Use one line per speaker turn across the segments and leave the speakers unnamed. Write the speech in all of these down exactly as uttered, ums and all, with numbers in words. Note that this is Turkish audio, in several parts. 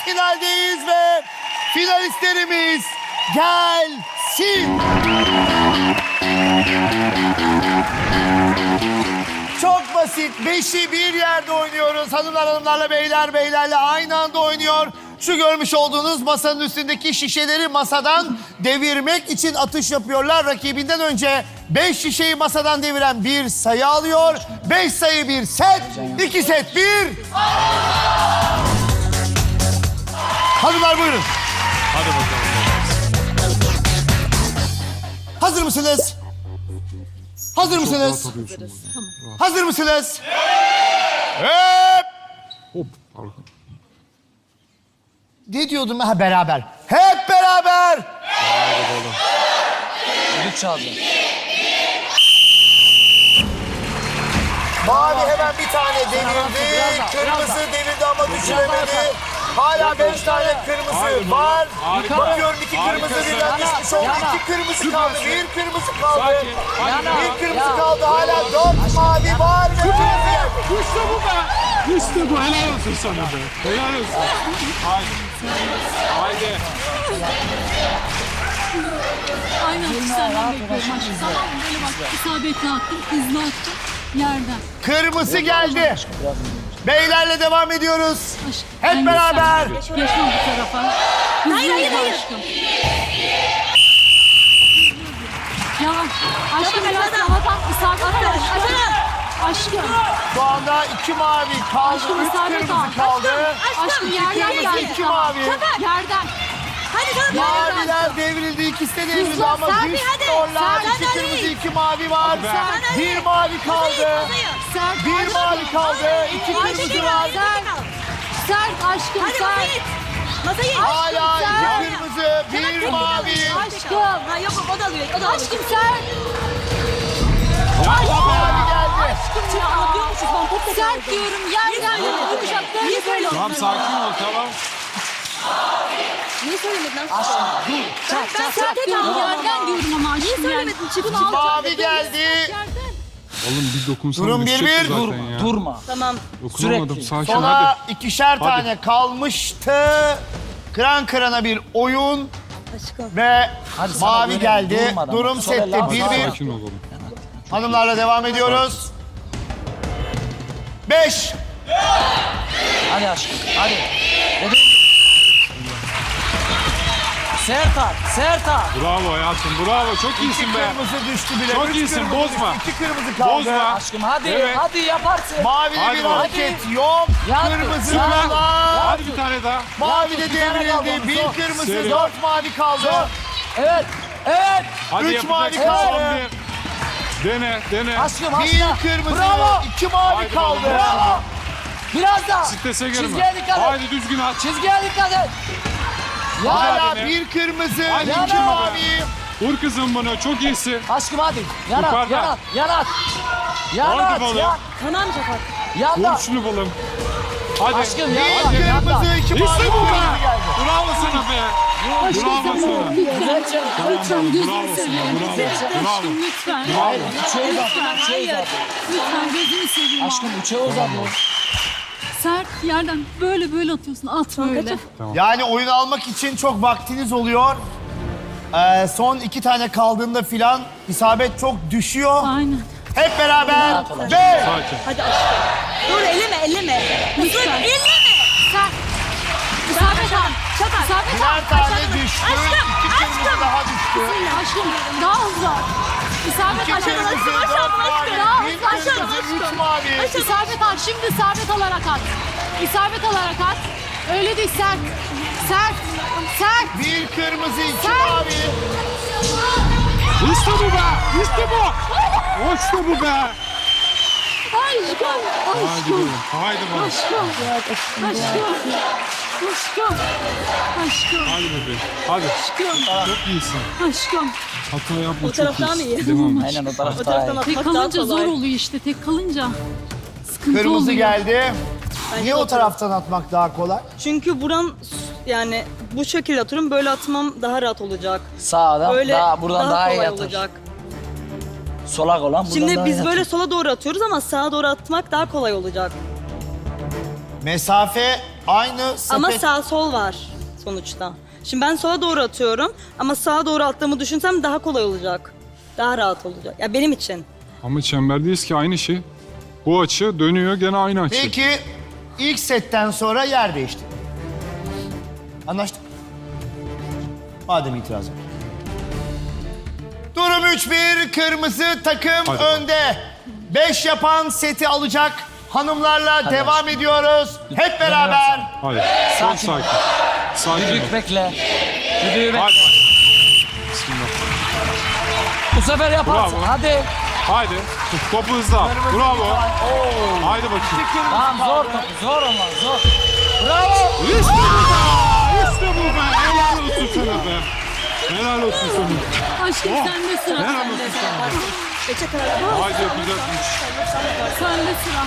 finaldeyiz ve finalistlerimiz gelsin. Çok basit. Beşi bir yerde oynuyoruz. Hanımlar hanımlarla, beyler beylerle aynı anda oynuyor. Şu görmüş olduğunuz masanın üstündeki şişeleri masadan devirmek için atış yapıyorlar. Rakibinden önce beş şişeyi masadan deviren bir sayı alıyor. Beş sayı bir set, iki set bir. Hanımlar buyurun.
Hadi bakalım.
Hazır mısınız? Hazır mısınız? Hazır mısınız? Hep.
Hop.
Ne diyordum ben? Ha, beraber. Hep beraber.
Düdük çaldı.
Mavi hemen bir tane devirdi. Kırmızı devirdi ama düşüremedi. Hala beş tane kırmızı var. Bakıyorum iki kırmızı birden düşmüş oldu. İki kırmızı kaldı. Bir kırmızı kaldı. Bir kırmızı kaldı. Hala dört mavi var. Ve
İşte bu be. İşte bu. Helal olsun sana be. Helal olsun. Haydi. Haydi.
Aynen atışlardan bekliyorum aşkım. Tamam mı? Böyle bak isabetli attım, hızlı attım yerden.
kırmızı geldi. Beylerle devam ediyoruz.
Aşkım.
Hep
ben
beraber.
geçsem- Geçmem bu tarafa. Hızlı hayır, hayır, hayır. Aşkım. Ya aşkım biraz daha tam isabet al aşkım. Aşkım.
Şu anda iki mavi kaldı.
Aşkım,
Üç
isabet
kırmızı
al.
kaldı.
Aşkım yerden
kırmızı,
geldi.
iki
tamam.
mavi.
Yerden.
Hadi sana
Maviler devrildi. İkisi de devrildi
Hızlı,
ama
Serpil,
düşmüyorlar.
hadi.
İki
Sen
kırmızı,
hadi.
iki mavi var.
Sen
Bir mavi kaldı.
Sert
Bir
aşkım.
mavi kaldı. İki
Aşkım,
kırmızı var.
Sert. Sert aşkım
Hadi
sert.
masayı. Masayı.
Hala
sen.
iki kırmızı, bir mavi.
Aşkım.
Ha yok o da alıyor. O da alıyor.
Aşkım sert.
Mavi geldi.
Aşkım ya.
Anlıyormuşuz ben top da
Sert diyorum yerden yumuşaklarını
Niye
böyle.
söylüyorsun?
Tamam sakin ol tamam.
Niye söylemedin lan?
Aşkım dur.
Ben, ben
Sert
sert
diyorum
dedim.
yerden diyorum ama aşkım.
Niye söylemedin çift?
Bunu alacağım.
Mavi geldi.
Yerden.
Oğlum bir dokunsana.
Durum bir
düşecekti
bir.
zaten
Durma,
ya.
durma.
Tamam.
Dokunamadım
Sürekli.
sakin
Sona
hadi.
ikişer tane kalmıştı. Kıran kırana bir oyun
Aşkım.
ve
Hadi sana
mavi
böyle
geldi.
durmadan.
Durum
Sonra
sette
laf-
bir
laf-
bir.
Sakin ol oğlum.
Hanımlarla devam ediyoruz. Beş.
Hadi aşkım, hadi. Dediğim gibi. Sert at, sert at.
Bravo hayatım bravo çok
İki
iyisin be.
kırmızı düştü bile.
Çok
Üç
iyisin,
kırmızı
bozma.
düştü. İki kırmızı kaldı.
Bozma.
Aşkım hadi,
Evet.
hadi yaparsın.
Mavide
Hadi
bir
bakalım.
hareket yok.
Hadi.
Kırmızı
Hadi.
var.
Hadi bir tane daha.
Mavi de
Bir tane kaldı
devrildi.
onun,
Bir
zor.
kırmızı,
Seri.
dört mavi kaldı.
Evet, evet.
Hadi
Üç
yapacaksın
mavi
son
kaldı.
bir. Dene dene.
Aşkım,
Bir
aşkım.
kırmızı,
Bravo.
iki mavi
Haydi
kaldı.
bakalım.
Bravo. Biraz daha.
Strese girme.
Çizgiye dikkat et.
Haydi düzgün at.
Çizgiye dikkat et. Ya.
Hala
dene.
bir kırmızı,
Hadi
iki
iki mavi.
mavi.
Vur kızım bunu çok iyisin.
Aşkım hadi. Yanat,
Yukarıda.
yanat, yanat. Yanat,
Hadi bakalım.
yan.
Tamam Şafak.
Yan
Vur
da.
şunu balım. Hadi.
Aşkım
Bir
yan da, yan da.
kırmızı, iki mavi.
İşte bu be.
kırmızı geldi.
Bravo sana be. Bravo sana.
Lütfen. Lütfen
Bravo
gözünü
sana.
seveyim.
Bravo. Bravo.
Aşkım lütfen.
Hayır, üçe uzadı, üçe uzadı.
Lütfen gözünü seveyim.
Aşkım üçe uzadı.
Sert yerden böyle böyle atıyorsun. At böyle.
Yani oyun almak için çok vaktiniz oluyor. Ee, son iki tane kaldığında filan isabet çok düşüyor.
Aynen.
Hep beraber ve
Sakin.
Hadi aşkım. Dur elleme elleme.
Lütfen.
Elleme.
Sert. İsabet al.
Şafak.
İsabet al.
birer tane düştü.
Aşkım,
İki kırmızı daha düştü.
Aşkım daha hızlı. at. İsabet
İki
al.
kırmızı,
Aşkım,
dört mavi.
aşkım, daha
Bir
hızlı. Aşkım,
kırmızı, üç
aşkım.
mavi.
İsabet al. Şimdi isabet alarak at. İsabet alarak at. Öyle değil sert. Sert. Sert.
Bir kırmızı, iki
Sen-
mavi.
İşte bu be. İşte bu. İşte bu be.
Aşkım.
Haydi
Aşkım.
bakalım. Haydi bakalım.
Aşkım. Aşkım. Aşkım. Aşkım.
Hadi bebeğim. Hadi.
Aşkım.
Çok iyisin.
Aşkım.
Hata yapma
O
çok
taraf daha mı
iyisin.
iyi?
Devam et.
Aynen o
O
tarafta.
taraftan
Tek
atmak daha
kalınca zor
kolay.
oluyor işte. Tek kalınca sıkıntı
Kırmızı
oluyor.
geldi.
Bence
Niye o
o
taraftan atmak daha kolay?
Çünkü buram yani bu şekilde atıyorum böyle atmam daha rahat olacak.
Sağdan
Böyle
daha buradan daha, iyi
kolay
atar.
olacak.
Solak olan buradan
Şimdi
daha
biz
iyi
böyle
atar.
sola doğru atıyoruz ama sağa doğru atmak daha kolay olacak.
Mesafe Aynı sepet.
Ama sağ sol var sonuçta. Şimdi ben sola doğru atıyorum ama sağa doğru attığımı düşünsem daha kolay olacak. Daha rahat olacak. Ya benim için.
Ama çemberdeyiz ki aynı şey. Bu açı dönüyor gene aynı açı.
Peki ilk setten sonra yer değişti. Anlaştık. Madem itiraz yok. Durum üç bir. Kırmızı takım
Hadi.
önde. beş yapan seti alacak. Hanımlarla devam ediyoruz. Hep beraber.
Hayır. Çok
Sakin.
sakin. Sakin ol.
Düdük bekle. Düdüğü bekle.
Hadi. Bismillah.
Bu sefer yaparsın.
Bravo.
Hadi.
Haydi. Topu hızlı al. Bravo. Haydi bakayım.
Tamam zor topu. Zor onlar zor. Bravo.
İşte bu be. İşte bu be. Helal olsun sana be. Helal olsun sana.
Aşkım sende sıra.
Helal
Sende
olsun
sıra.
sana.
Peçeteler.
Haydi yapacakmış.
Sende sıra.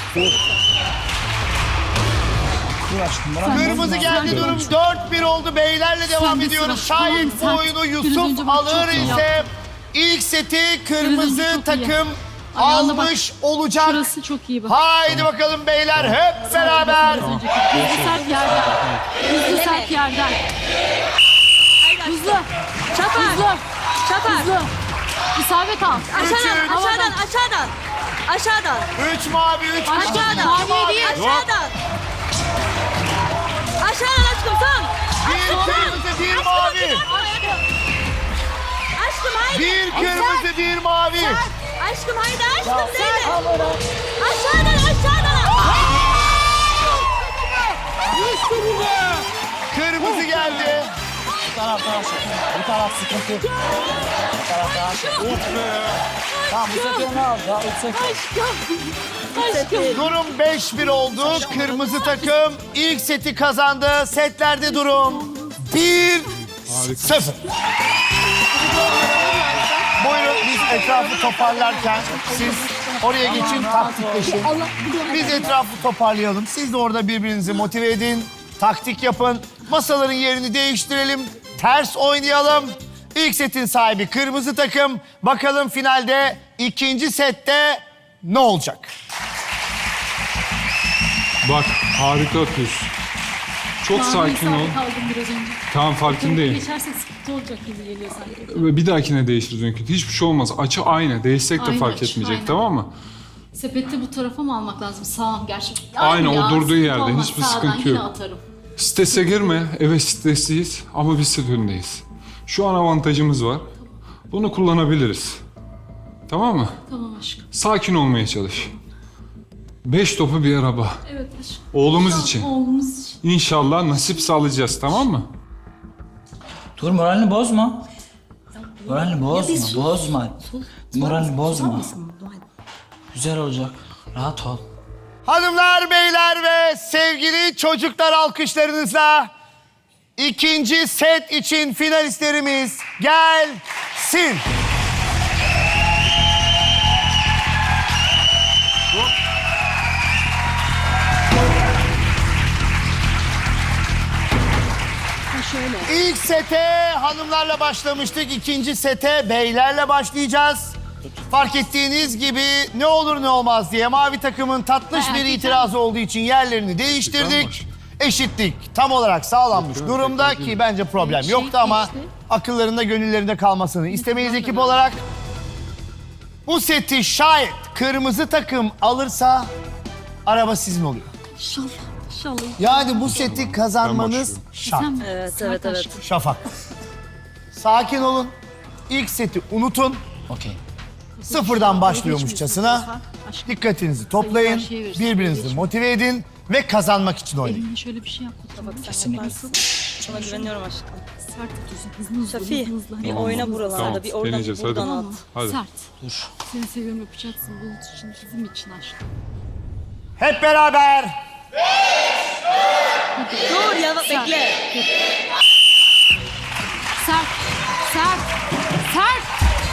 Dur aşkım. Bırak.
Kırmızı geldi, durum dört bir oldu. Beylerle devam
de
ediyoruz.
sıra.
Şayet bu
Tamam,
oyunu
sen- biraz
Yusuf
önce bak,
alır
çok iyi
ise ilk seti
Biraz önce
kırmızı
çok iyi.
takım
Ayağına bak.
almış olacak.
Şurası çok iyi bak.
Haydi bakalım beyler hep beraber.
Biraz önceki. Hızlı sert yerden. Hızlı sert yerden. Hızlı.
Çapar.
Hızlı.
Çapar.
Hızlı. İsabet al.
Aşağıdan,
Üçün.
aşağıdan, aşağıdan. Aşağıdan.
Üç mavi, üç kırmızı.
Aşağıdan.
İki mavi.
değil.
Aşağıdan. Aşağıdan aşkım son.
Bir kırmızı, bir mavi.
Aşkım haydi.
Bir kırmızı, bir mavi.
Aşkım haydi aşkım Zeynep. Aşağıdan aşağıdan.
Kırmızı geldi.
Bu taraf daha sıkıntı. Bu taraf sıkıntı. Bu taraf daha şey.
Of be.
Tamam bu sefer ne al? Ya üç sefer.
Aşkım. Aşkım.
Durum beş bir oldu. Kırmızı takım ilk seti kazandı. Setlerde durum bir sıfır. Buyurun biz etrafı toparlarken siz oraya geçin, taktikleşin. Biz etrafı toparlayalım. Siz de orada birbirinizi motive edin. Taktik yapın. Masaların yerini değiştirelim. Ters oynayalım. İlk setin sahibi kırmızı takım. Bakalım finalde ikinci sette ne olacak?
Bak harika atıyorsun. Çok
Mavi
sakin ol.
isabet aldım biraz önce.
Tamam farkındayım.
Geçersek sıkıntı olacak gibi geliyor sanki.
Ve bir dahakine değiştiririz mümkün. Hiçbir şey olmaz. Açı aynı. Değişsek de
Aynı
fark
açı,
etmeyecek
aynen.
tamam mı?
Sepette bu tarafa mı almak lazım? Sağ gerçi.
Aynen, o
ya,
durduğu
sıkıntı
yerde,
olmaz.
hiçbir
Sağdan
sıkıntı
yine
yok.
atarım.
Strese girme. Evet stresliyiz ama biz set önündeyiz. Şu an avantajımız var. Bunu kullanabiliriz. Tamam mı?
Tamam aşkım.
Sakin olmaya çalış. Beş topu bir araba.
Evet aşkım.
Oğlumuz için.
Oğlumuz için.
İnşallah nasip sağlayacağız tamam mı?
Dur moralini bozma. Moralini bozma. Bozma. Moralini bozma. Güzel olacak. Rahat ol.
Hanımlar, beyler ve sevgili çocuklar alkışlarınızla ikinci set için finalistlerimiz gelsin.
Ha şöyle.
İlk sete hanımlarla başlamıştık. İkinci sete beylerle başlayacağız. Fark ettiğiniz gibi ne olur ne olmaz diye mavi takımın tatlış bir itirazı olduğu için yerlerini değiştirdik. Eşitlik tam olarak sağlanmış durumda ki bence problem
Şey
yoktu ama
işte.
akıllarında gönüllerinde kalmasını istemeyiz ekip olarak. Bu seti şayet kırmızı takım alırsa araba sizin oluyor.
İnşallah. İnşallah.
Yani bu seti kazanmanız
Ben
şart.
Sen mi?
Evet,
Sert
evet, evet.
aşkım.
Şafak. Sakin olun. İlk seti unutun.
Okey.
Sıfırdan başlıyormuşçasına.
Aşkım.
Dikkatinizi toplayın. Birbirinizi motive edin ve kazanmak için oynayın.
Elimle şöyle bir şey yap.
Kesinlikle.
Sana güveniyorum aşkım.
Sert atıyorsun. Hızlı hızlı.
Safi
hızlı, hızlı.
bir
Tamam.
oyna buralarda,
Tamam,
bir oradan
deneyeceğiz,
bir buradan
hadi.
Tamam
at.
mı?
Hadi.
Sert.
Dur.
Seni seviyorum yapacaksın. Bulut için, bizim için aşkım.
Hep beraber.
Dur ya bekle.
Sert. Sert. Sert.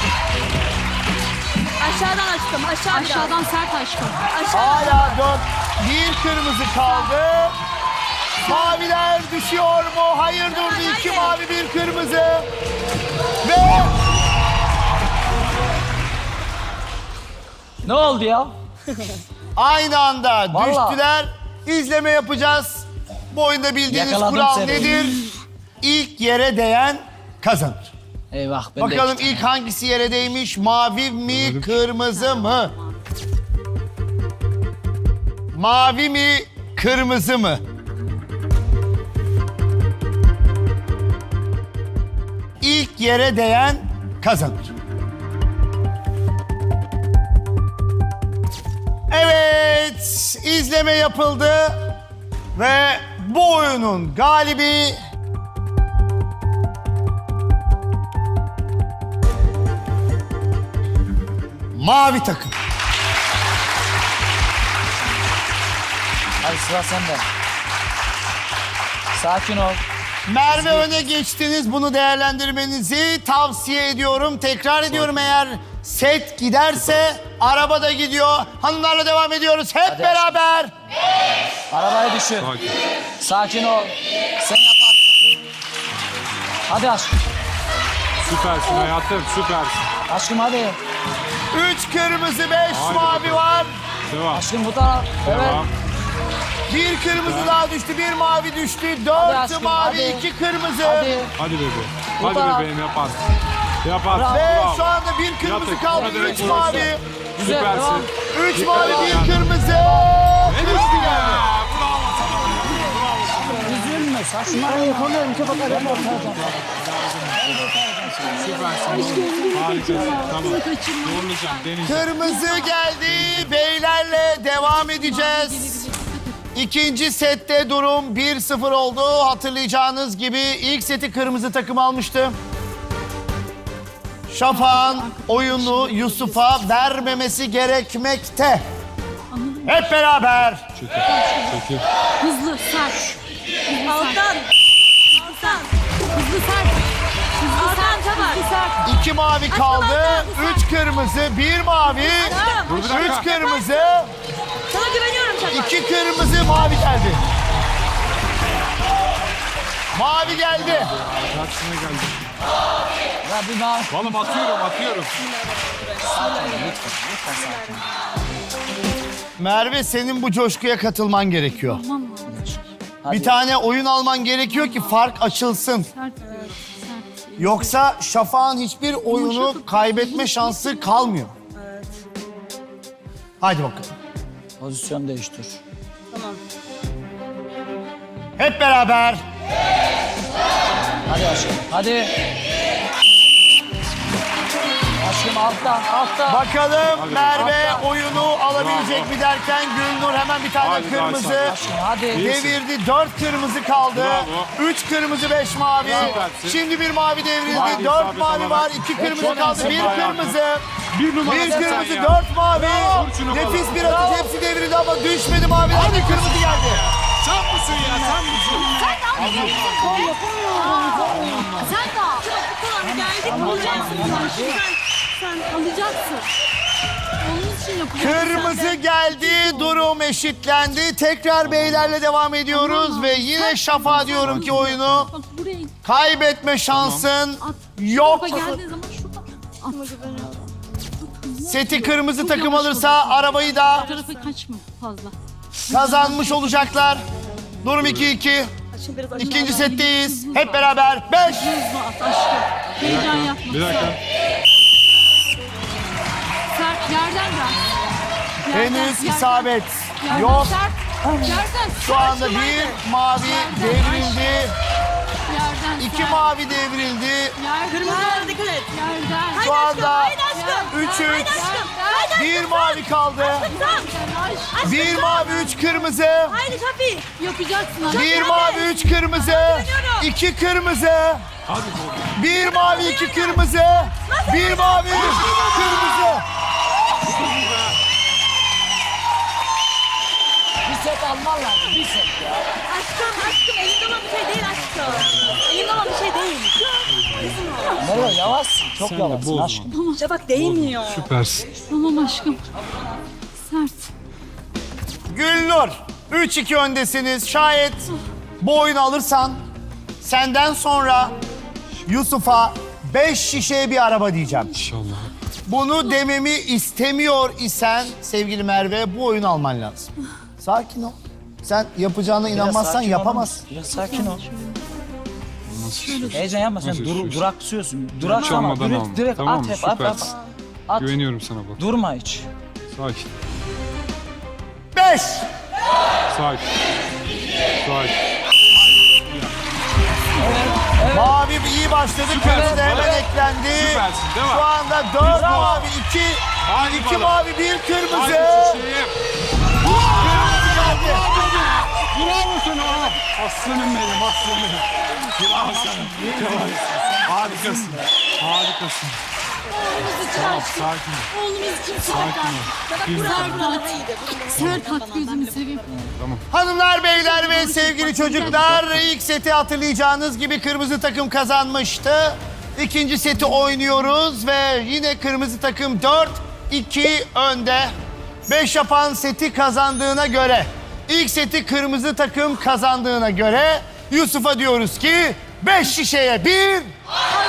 Aşağıdan aşkım aşağı biraz.
Aşağıdan sert aşkım.
Aşağı.
Hala dört. Bir kırmızı kaldı. Maviler düşüyor mu? Hayır durdu. İki mavi, bir kırmızı. Ve
Ne oldu ya?
aynı anda
Vallahi.
düştüler. İzleme yapacağız. Bu oyunda bildiğiniz
Yakaladım
kural
seni.
nedir? İlk yere değen kazanır.
Eyvah ben de
Bakalım
iki tane.
ilk hangisi yere değmiş? Mavi mi, kırmızı mı? Mavi mi, kırmızı mı? İlk yere değen kazanır. Evet, izleme yapıldı ve bu oyunun galibi mavi takım.
Hadi sıra sende. Sakin ol.
Merve öne geçtiniz. Bunu değerlendirmenizi tavsiye ediyorum. Tekrar ediyorum, eğer set giderse araba da gidiyor. Hanımlarla devam ediyoruz hep
Hadi
beraber.
Arabayı düşür.
Sakin.
Sakin ol. Sen yaparsın. Hadi aşkım.
Süpersin hayatım, süpersin.
Aşkım hadi.
Üç kırmızı, beş
Haydi
mavi
bakalım.
var.
Devam.
Aşkım bu taraf. Evet.
Devam.
Bir kırmızı daha düştü, bir mavi düştü.
Hadi
Dört
aşkım,
mavi,
hadi.
iki kırmızı.
Hadi.
Hadi bebeğim.
Bu
Hadi
taraf.
bebeğim yaparsın. Yaparsın.
Ve
Bravo.
şu anda bir kırmızı
Yatık,
kaldı,
buna direkt
üç
vurursun.
mavi.
Güzel
Süpersin.
devam.
Üç mavi,
Yani.
bir kırmızı.
Ne
Kırmızı
düştü ya?
geldi.
Bravo sana.
Üzülme. Saçmalama. Yapamıyorum. Çok bakarım.
Süpersin. Harikasın. Tamam. Zorlayacağım, deneyeceğim.
Kırmızı geldi. Beylerle devam edeceğiz. İkinci sette durum bir sıfır oldu. Hatırlayacağınız gibi ilk seti kırmızı takım almıştı. Şafak'ın oyunu Yusuf'a vermemesi gerekmekte. Hep beraber.
Çekil. Çekil.
Hızlı, sert.
Alttan. Alttan.
Hızlı, sert. Hızlı,
Alttan
sert.
çabuk.
Hızlı, sert.
İki mavi kaldı. Üç kırmızı, bir mavi.
Tamam.
Dur bir dakika.
Üç kırmızı,
Sana güveniyorum Şafak.
iki kırmızı, mavi geldi. Mavi geldi.
Karşısına geldim.
Ya bir daha.
Oğlum atıyorum, atıyorum.
Merve, senin bu coşkuya katılman gerekiyor.
Tamam mı?
Hadi.
Bir tane oyun alman gerekiyor ki fark açılsın.
Sert diyorum. Sert.
Yoksa Şafak'ın hiçbir oyunu kaybetme şansı kalmıyor. Haydi bakalım.
Pozisyon değiştir.
Tamam.
Hep beraber.
Hadi aşkım. Hadi. Aşkım alttan. Alttan.
Bakalım Merve
Hatta.
oyunu alabilecek
Bravo.
mi derken Gülnur hemen bir tane
Hadi
kırmızı
Hasan.
Aşkım hadi.
devirdi. Dört kırmızı kaldı.
Bravo.
Üç kırmızı, beş mavi.
Süpersin.
Şimdi bir mavi devrildi.
Mavi
Dört
isabet
mavi
olarak.
var. İki kırmızı
çok
kaldı.
iyisin
Bir
hayatım.
kırmızı.
Bir numara
Bir
sen
kırmızı,
ya.
dört mavi.
Vur şunu
Nefis
bana.
bir atış. Hepsi devrildi ama düşmedi mavi. Hadi kırmızı geldi.
Sen misin ya, sen misin?
Sen de al.
Tamam geldik. Alacaksın.
Sen alacaksın. Onun için yapacaksın.
Kırmızı geldi, durum eşitlendi. Tekrar beylerle devam ediyoruz ve yine Şafak'a diyorum ki oyunu
Bak buraya
kaybetme şansın
at.
yok.
Tarafa geldiği zaman şuradan at.
Seti kırmızı takım alırsa arabayı da
Bu tarafa kaçma fazla.
kazanmış olacaklar. Durum iki iki.
Şimdi biraz aşağı.
İkinci setteyiz. Hep beraber beş.
Hızlı at aşkım. Heyecan yapma.
Bir dakika.
Sert yerden bırak. Yerden,
Henüz
yerden.
isabet
Yerden
yok.
Sert. Yerden.
Şu anda bir mavi devrildi.
Yerden.
İki
sert.
mavi devrildi.
Yerden.
Kırmızılara dikkat et.
Yerden.
Şu anda
Haydi aşkım.
üç üç.
Yerden.
Bir mavi kaldı.
Aşkım.
Bir mavi, üç kırmızı.
Haydi Şafi.
Yapacaksın hadi.
Bir mavi, üç kırmızı. İki kırmızı.
Hadi.
Bir mavi, iki kırmızı. Bir mavi, kırmızı.
Bir set alman lazım. Bir set ya.
Aşkım aşkım elimde olan bir şey değil aşkım. Elimde olan bir şey değil.
Merve yavaşsın. Çok
Sen de
yavaşsın
bozma.
aşkım.
Şafak değmiyor.
Süpersin.
Tamam aşkım. Sert.
Gülnur, üç iki öndesiniz. Şayet bu oyunu alırsan senden sonra Yusuf'a beş şişeye bir araba diyeceğim.
İnşallah.
Bunu dememi istemiyor isen sevgili Merve bu oyunu alman lazım. Sakin ol. Sen yapacağına
Biraz
inanmazsan
sakin
yapamazsın.
ol. Biraz sakin ol.
Nasıl istiyorsun?
Heyecan yapma sen
Nasıl
dur,
istiyorsun?
duraksıyorsun. Duraksama
almadan
direkt,
alma.
direkt
Tamam
at
mı?
hep at at.
Süpersin.
At.
Güveniyorum sana bak.
Durma hiç.
Sakin.
Beş.
Sakin. Sakin.
Mavi iyi başladı. Kırmızı da hemen
Evet.
eklendi.
Süpersin, değil mi?
Şu anda dört
Bravo.
mavi, iki,
Hadi
iki
bakalım.
mavi, bir kırmızı.
Hadi çiçeğim.
Kırmızı geldi.
Bravo sana. Aslanım benim, aslanım. Bravo sana. Harikasın. Harikasın. Tamam, sakin ol.
Oğlumuz için
Sakin ol. Bir tane.
Sert at gözünü seveyim.
Hanımlar, beyler ve sevgili çocuklar, ilk seti hatırlayacağınız gibi kırmızı takım kazanmıştı. İkinci seti oynuyoruz ve yine kırmızı takım dört iki önde. beş yapan seti kazandığına göre, ilk seti kırmızı takım kazandığına göre Yusuf'a diyoruz ki beş şişeye bir,